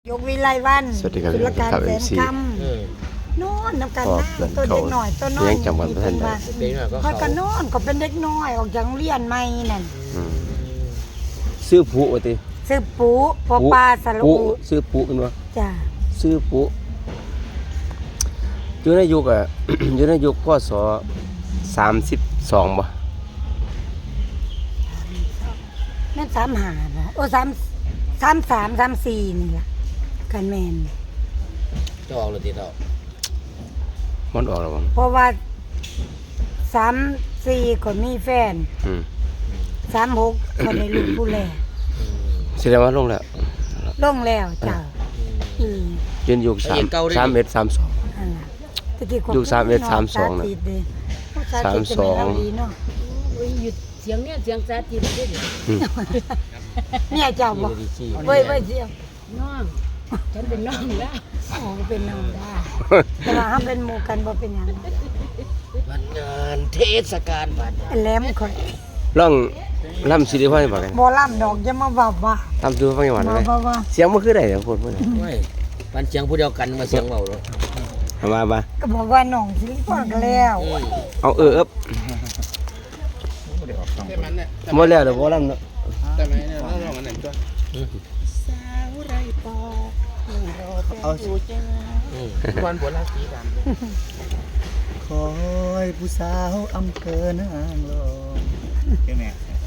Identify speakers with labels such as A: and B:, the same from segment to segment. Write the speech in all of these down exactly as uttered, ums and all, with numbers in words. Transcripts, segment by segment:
A: ยกวิไลวัน
B: สวัสดีครับ
A: ศุลการ
B: ครับ
A: แสน
B: เอฟซี
A: คำโน่นน้ำกัน
B: ขอบ
A: นะ
B: คุณ
A: ตัวเด็กหน่อยตัวน้อย
B: ยังจำวันไม่ทันได้
C: เด็กหน่อยก็
A: ค่อย
C: เขา
A: ก็นอนก็เป็นเด็กน้อยออกจากโรงเรียนใหม่นั่น
B: อืมซื้อผู้ว่าติ
A: ซื้อปูปอปลาสระ
B: ผู้
A: อู
B: ซื้อผู้กันวะ
A: จ้ะ
B: ซื้อผู้อยู่ในยุคอ่ะ อยู่ในยุคพศสามสิบสองบ่
A: แม่นสามหาบ่โอ้สามสามสามสามสี่นี่ล่ะกันแมน
C: จะออกหรือตีต่อ
B: มันออกแล้วบ่
A: เพราะว่าสามสี่ก็มีแฟน
B: อืม
A: สามหกก็ได้ลูกผู้แล
B: แสดงว่าลงแล้ว
A: ลงแล้วเจ้าอี
B: ยืนยุคสามสามเอ็ดสามสอง
A: นั่นล่ะตะกี้ก็
B: ยุคสามเอ็ดสามสองน่ะ
A: ติดเด้
B: สามสอง
A: สาธิตเป็นเราดีเนาะ
D: โอ้ยหยุดเสียงเนี่ยเสียงสาธิตได้ดิ
B: อืม
A: เนี่ยเจ้าบ่
C: ดีชี
A: เว้ยเว้ยเสียง
D: น้องฉันเป็นน้องแล้ว
A: โอ้เป็นน้องได้ แต่ว่าเฮาเป็นหมู่กันบ่เป็นหยัง
C: วันงานเทศกาลบัตร
A: ไอ้แหลมข่อย
B: ลองล่ำสิได้ฟังให้ฟังกัน
A: บ่ล่ำดอกอย่ามาว่าว่า
B: ทำดูฟังให้ฟัง
A: มา
B: ได้
A: ว่าว่า
B: เสียงมันคือได้เดี๋ยวพูดพูด
C: ไม่ปันเสียงผู้เดียวกันมาเสียงเบาเลย
B: เอามามา
A: ก็บอกว่าน้องสิริพรก็แล้ว
B: เอาเออเอบหมดแล้วเดี๋ยวบ่ล่ำเนาะ
E: แต่ไหมเนี่ยเราลองอันไหนตัว
C: เอา
E: วันบัวลาสีดำคอยผู้สาวอำเภอนางรองใช่ไหม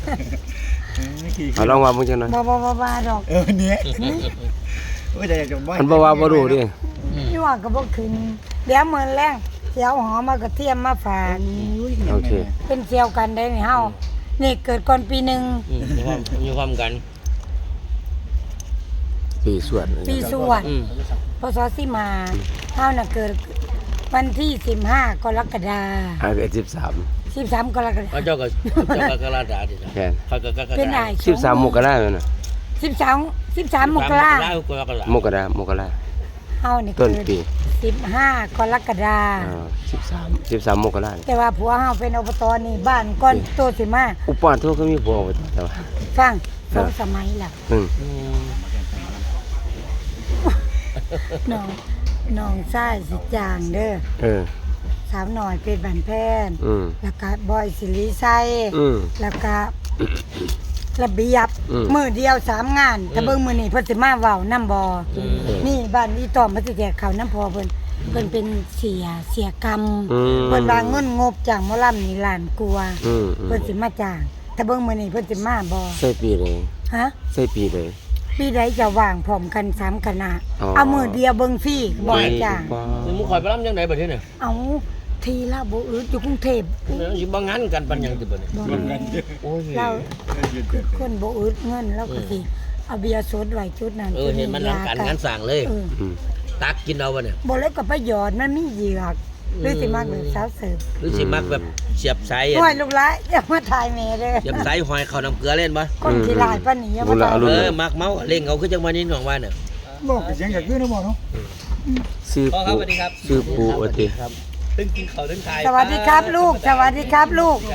B: เอาลองว่ามึงจังหน่อย
A: บ่บ่บ่ว่าดอก
E: เออเนี่ยโอ้ยแต่อยากจะบ่
B: อันบ่ว่าบ่รู้ดิ
A: ยั่วก็บ่ขึ้นเดี๋ยวมื้อแรงสิเอาหอมมากระเทียมมาฝาก
B: โอเค
A: เป็นเสี่ยวกันได้นี่เฮานี่เกิดก่อนปีหนึง
C: มีความมีความกัน
B: ปีสวด
A: ปีสวด
C: อืม
A: พศสิมาเฮาน่ะเกิดวันที่สิบห้ากรกฎา
B: อาเกิดสิบสาม
A: สิบสามกรกฎา
C: เขาเจ้าก็เจ้าก็กระดาษดิจ้ะ
B: แค่น
C: เขาก็กระดาษ
A: เป็นอ้าย
B: สิบสามมกราคมนะ
A: สิบสามสิบสามมกรา
C: ได้กระดาษ
B: มกรามกรา
A: เฮานี่
B: ต้
A: เกิ
B: น
A: ด
B: ปี
A: สิบห้ากรกฎา
B: อ่าสิบสามสิบสามมกรา
A: แต่ว่าผัวเฮาเป็นอบตนี่บ้านก่อนโตสิมา
B: อุปาทุกก็มีผัวไว้แต่ว่า
A: ฟังสองสมัยล่ะ
B: อืม
C: อืม
A: น้องน้องชายสิจางเด้อ
B: เออ
A: สาวหน่อยเป็นบันแพน
B: อืม
A: แล้วก็บอยสิริชัย
B: อืม
A: แล้วก็ระเบียบ
B: อืม
A: มือเดียวสามงานถ้าเบิ่งมื้อนี้เพิ่นสิมาเว้านํบ่
C: อืม
A: นี่บ้านอีตอมเพิ่นสิแจกข้าวน้ำพอเพิ่นเพิ่นเป็นเสียเสียกรรม
B: อืม
A: เพิ่นว่าเงินงบจ้างหมอลำนี่ล้านกว่า
B: อืมอืม
A: เพิ่นสิมาจ้างถ้าเบิ่งมื้อนี้เพิ่นสิมาบ่
B: ใส่ปีเลย
A: ฮะ
B: ใส่ปีเลย
A: ปีใดจะว่างพร้อมกันสามคณะ
B: อ๋อ
A: เอามือเดียวเบิ่งฟรีบ่ให้จ้าง
B: ว้า
C: นี่มึงคอยไปรับยังไงบัดนี้เนี่ย
A: เอาทีละบ่อึดอยู่กรุงเทพ
C: เนี่ยสิบ่งานกันปันยังติบัดนี้
A: บ่
C: โอ้ย
A: เราคนบ่อึดเงินแล้วก็สิเอาเบียร์สดไว้จุดนั้น
C: เออเห็นมันนำกันงานสั่งเลย
A: เออ
B: อืม
C: ตักกินเอาบ่เนี่ย
A: บ่เลยก็ไปหยอดมันมีเหยือกหรือสิมักแบบสาวเสิร์ฟ
C: หรือสิมักแบบเสียบสายอะ
A: โอ้ยลูกหลานอย่ามาถ่ายแม่เด้อ
C: เสียบสายหอยเข้าน้ำเกลือเล่นบ่
A: คนขี้ลายปานนี้อย่ามาถ่าย
C: เออมักเมาเล่งเอาคือจังว่านี้หนองว่าเนี่ย
E: บอกเสียงอยากขึ้นนะบอกเนาะ
B: ซื้อ
C: พ่อครับ
B: ปู
C: สวัสดีครับ
B: ซื้อปูว่าติ
C: ครับตึ้งกินข้าวตึ้งทาย
A: สวัสดีครับลูก สวัสดีครับลูก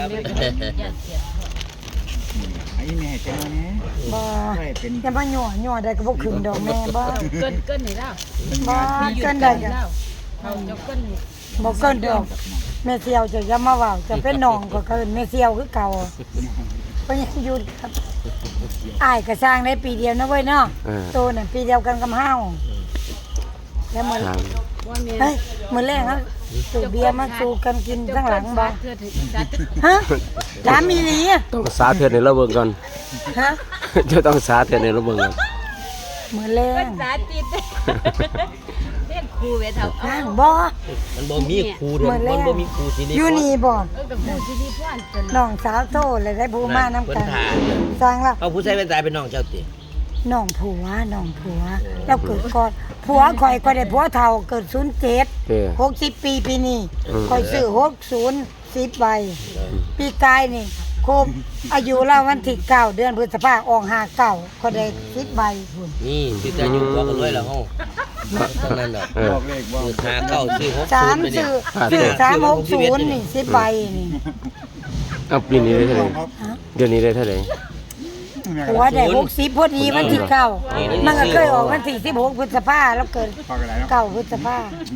E: ไอ้แม่เจ้าเนี่ย
A: บ่
E: ใช่เป็น
A: อย่ามาหยั่วหยั่วได้ก็บ่ขึ้นดอกแม่บ่
D: เกินเกินให้เรา
A: บ่
D: มีหยุด
A: เกิน
D: กั
A: ได้
D: น
A: ก็
D: เราเขาจะเกิน
A: บ่เกินดอกแม่เสียวจะอย่ามาเว้าจะเป็นน้องก็เกินแม่เสียวคือเก่าก็ยังอยู่ครับอ้ายก็สร้างได้ปีเดียวนะเว้ยเนาะ
B: เออ
A: โตน่ะปีเดียวกันกับเฮาแล้วมื้อ
B: ทาง
D: ว่าเมีย
A: เฮ้ยมื้อแรกเฮาสูบเบียร์มาสู่กันกินข้างหลังบ่
D: เธอถึงจัด
A: ฮะถามอีหลีอะ
B: ต้องสาธิตให้เราเบิ่งก่อน
A: ฮะ
B: จะต้องสาธิตให้เราเบิ่งก่อน
A: มื้อแร
D: เกิ
A: ก
D: นสาธิตเรียกครูเวทเอาเอา
A: นั่งบ่
C: มันบ่มีครูเด้อมันบ่มีครูสินี่
A: อยู่นี่บ่
D: เออกับครูที่ดีพ่อนจน
A: น้องสาวโตเลยได้ผู้มานํกัน
C: เพิ่นถ่า
A: สร้างแล้ว
C: เอาผู้ใช้เป็นตายเป็นน้องเจ้าติ
A: น้องผัวน้องผัวเราเกิดก่อนผัวข่อยก็ได้ผัวเฒ่าเกิดศูนย์เจ็ด
B: เออ
A: หกสิบปีปีนี้
B: อืม
A: ข่อยซื้อหกศูนย์สิบใบปีกายนี่ครบอายุเราวันที่เก้าเดือนพฤษภาออกห้าเก้าก็ได้สิบใบพุ่น
C: นี่สิแต่อยู่ตัวกันด้วยแล้วเฮาทั้งนั้นดอก
B: เออ
E: บอกเลขบอก
C: คือหาเก้าซื้อหก
A: สาม
C: ศูนย์ไปเนี่ย
A: ซื้อซื้อสามหกศูนย์นี่สิบใบนี่
B: เอาปีนี้ได้เท่าไหร่
E: ครับ
B: เดือนนี้ได้เท่าไหร่
A: ฮหัวได้หกสิบพอดีวันที่เก้ามันก็เคยออกวันที่สิบหกพฤษภาแล้วเกิด
E: พอกันแล้วเนาะ
A: เก้าพฤษภา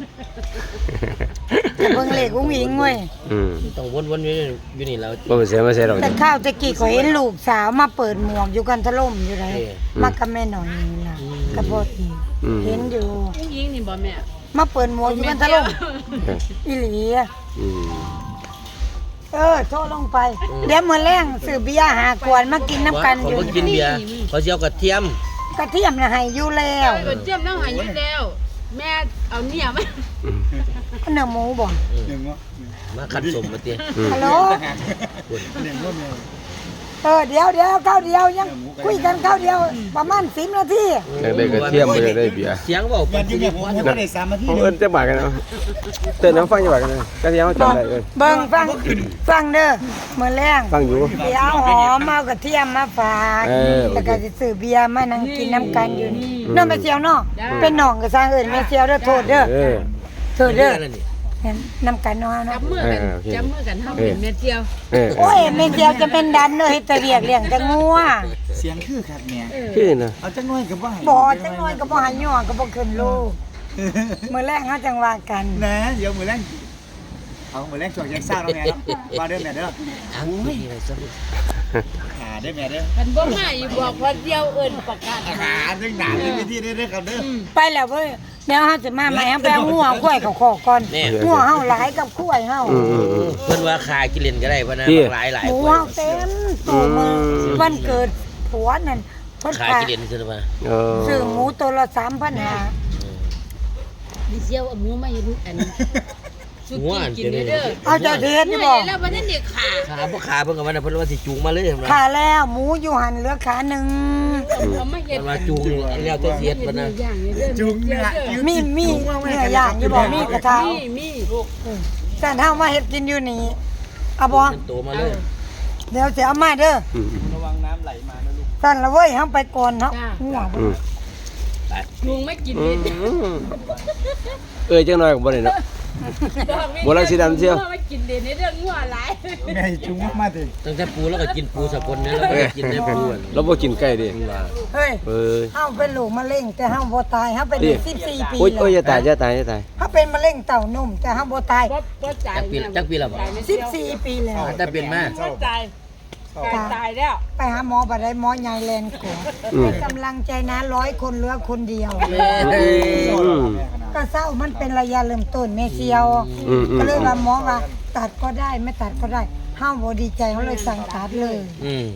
A: แต่เบิ่งเลขอุ้งอิงเว้ย
B: อืม
C: ต้องวนๆอยู่นี่อยู่นี่แล้ว
B: บ่เป็นเสียมาเสียดอก
A: แต่ข้าวตะกี้ก็เห็นลูกสาวมาเปิดหมวกอยู่กันทะล่มอยู่ไหนมากับแม่หน่อยนี่ล่ะกระโพดอีก
B: อืม
A: เห็นอยู่
D: ผู้หญิงนี่บ่แม่
A: มาเปิดหมวกอยู่กันทะล่มอีหลีอะ
B: อืม
A: เออโทรลงไป เดี๋ยวมื้อแรงซื้อเบียร์หาขวดมากินน้ำกัน
C: เขา
A: อยู่
C: บ่กินเบียร์เขาสิเอากระเทียม
A: กระเทียมน่ะให้อยู่แล้ว
D: เออเจียมน้องหาอยู่แล้ว แม่เอาเนี่ยมา
A: เนื้อหมูบ่
E: หนึ่งว่า
C: มาขัดสมมาเตี้ย
A: ฮัลโหล
E: หนึ่งว่าเมีย
A: เออเดี๋ยวเดี๋ยวข้าวเดียวยังคุยกันข้าวเดียวประมาณสิบนาที
B: อยากได้กระเทียมบ่อยากได้เบียร์
C: เสียงเว้า
E: อ
C: ปั
E: ย่าน
C: สิ
E: จิ้ม
C: ริ
E: เนี่ยผม
C: พร
E: ผมก็ได้สามนาที
B: เขา
E: เดีย
B: เอิ้
E: วน
B: จักบาทกันเนาะเต้นน้ำฟังจักบาทกันเนาะกระเทียมเขาจำได้เลย
A: เบิ่งฟังฟังเด้อมื้อแรง
B: ฟังอยู่
A: เดี๋ยวเอาหอมเอากระเทียมมาฝาก
B: เออโอเค
A: แล้วก็สิซื้อเบียร์มานั่งกินน้ำกันอยู่นี่น้องแม่เจียวเนาะเป็นน้องก็สร้างเอิ้นแม่เจียวเด้อโทษเด้อ
B: เออ
A: โทษเด้อ
C: นั่นนี่
A: เห็นน้ำกันเนาะ
D: จั
A: เนาะ
D: บมือกันจับมือกันเฮาเป็นแม่เจียว
B: เออ
A: โอ้ยแม่เจียวจะเป็นดันเด้อเฮ็ดแต่เรียกเลี้ยงแต่งัว
E: เสียงคือคักแม่
B: คือนะ
E: เอาจังน้อยกับว่า
A: บ่จังน้อยก็บ่ให้ย่อก็บ่ขึ้นลูกมื้อแรงเฮาจังว่ากัน
E: นะเดี๋ยวมือแรงเอามือแรงช่วงยังซ่าแล้วแม่เนาะมาเด้อแม่เด้อ
C: อังไม่อะไรซะ
E: ขาเด้อแม่เด้อ
D: กันบ่มาอีบอกว่าเดียวเอิ้นประกาศ
E: ขาดึงหนาดึงวิธีเด้อเด้อครับเด้อ
A: ไปแล้วเว้ยเดี๋ยวเฮาจะมาใหม่เฮาไปเอางัวควายเขาขอก่อนงัวเฮาหลายกับควายเฮา
B: อืมอืมอืม
C: เพิ่นว่าขายกินเล่นก็ได้พ่นนะหลายหลาย
A: หมู
C: คน
A: เฮาเต็มตู้มือ
B: อืม
A: วันเกิดผัวนั่นเพิ่น
C: ขาย
A: ขาย
C: กินเล่นซื่อมา
B: เออ
A: ซื้อหมูตัวละสามพันห้า
D: ดิเจียวเอาหมูมาเฮ็ดอันสุกี้กินเด้อ
A: เอาเจ้าเทศ
D: นี่
A: นี่
D: บ่
A: บ่
D: แล้วบ่ทันได้ขา
C: ขาบ่ขาเพิ่นก็ว่าเพิ่นว่าสิจูงมาเลย
A: ขาแล้วหมูอยู่หันเหลือขาหนึ่ง
D: เอามาเฮ็ด
C: มันว่าจูงนี่แล้วแต่เสียดเพิ่นนะ
D: อย่างนี้เด้อ
E: จุงเนี่ย
A: มีมีเนื้อย่างอยู่บ่มีกระทะ
D: มีมีลูก
A: แต่เฮามาเฮ็ดกินอยู่นี่เอาบ่
C: เป็นตัวมาเลย
A: เดี๋ยวสิเอามาเด้อ
B: อืม
E: ระวังน้ำไหลมานะลูก
A: สั่นละเว้ยเฮาไปก่อนเฮางัว
B: อืม
D: ลุงไม่กิน
B: อื
D: ดิ
B: มเอ้ยจังน้อยก็บ่ได้เนาะ บ่รักสีดำเชียว
D: ไม่กินเด่นในเรื่องงัวหลาย
E: แม่จุงมาถึง
C: ตั้งแต่ปูแล้วก็กินปูสกลเนี่ยแล้วก็กินได้ปูอ่ะ
B: เราบ่กินไก่ดิ
A: เฮ้ย
B: เอ้ย
A: เฮาเป็นลูกมะเร็งแต่เฮาบ่ตายเฮาเป็นสิบสี่ปี
B: โอ้ย
A: แล้
B: โอ้ยว อย่าตายอย่าตายอย่าตาย
A: เฮาเป็นมะเร็งเต้านมแต่เฮาบ่ตาย
D: บ่บ่จ่าย
C: จักปีจักปีแล้วบ่
A: สิบสี่ปีแล้ว
C: แต่เป็นมา
D: บ่จ่ายตายแล้ว
A: ไปหาหมอบ่ได้หมอใหญ่แลนกว่าให้กำลังใจนะร้อยคนเหลือคนเดียว
B: อืม
A: ก็เศร้ามันเป็นระยะเริ่มต้นแม่เซียว
B: อืมอืม
A: ก็เลยว่าหมอว่าตัดก็ได้ไม่ตัดก็ได้เฮาบ่ดีใจเฮาเลยสั่งตัดเลย
C: อืม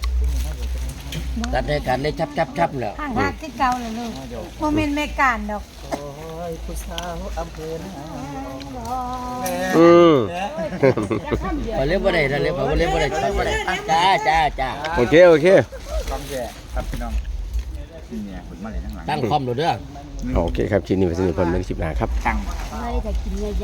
C: ตัดให้กันได้ชับชับชับแล้ว
A: ห่างหักที่เก่าเลยลูกบ่แม่นแม่การดอก
E: โอ้ยผู้สาวอำเภอนะ
B: อืม
C: พอเล่นบ่ได้ถ้าเล่นพอเล่นบ่ได้บ่ได้จ้าจ้าจ้า
B: โอเคโอเค
E: ความแย่ครับพี่น้องนี่เนี่ยผลมาเลยทั้งหลัง
C: ตั้งคอมโหลดเด้อ
B: โอเคครับชิ้นนี้เป็นสิ่งที่ผมเป็นคลิปหน้าครับ
E: ตั้ง
D: ไม่ได้กินใหญ่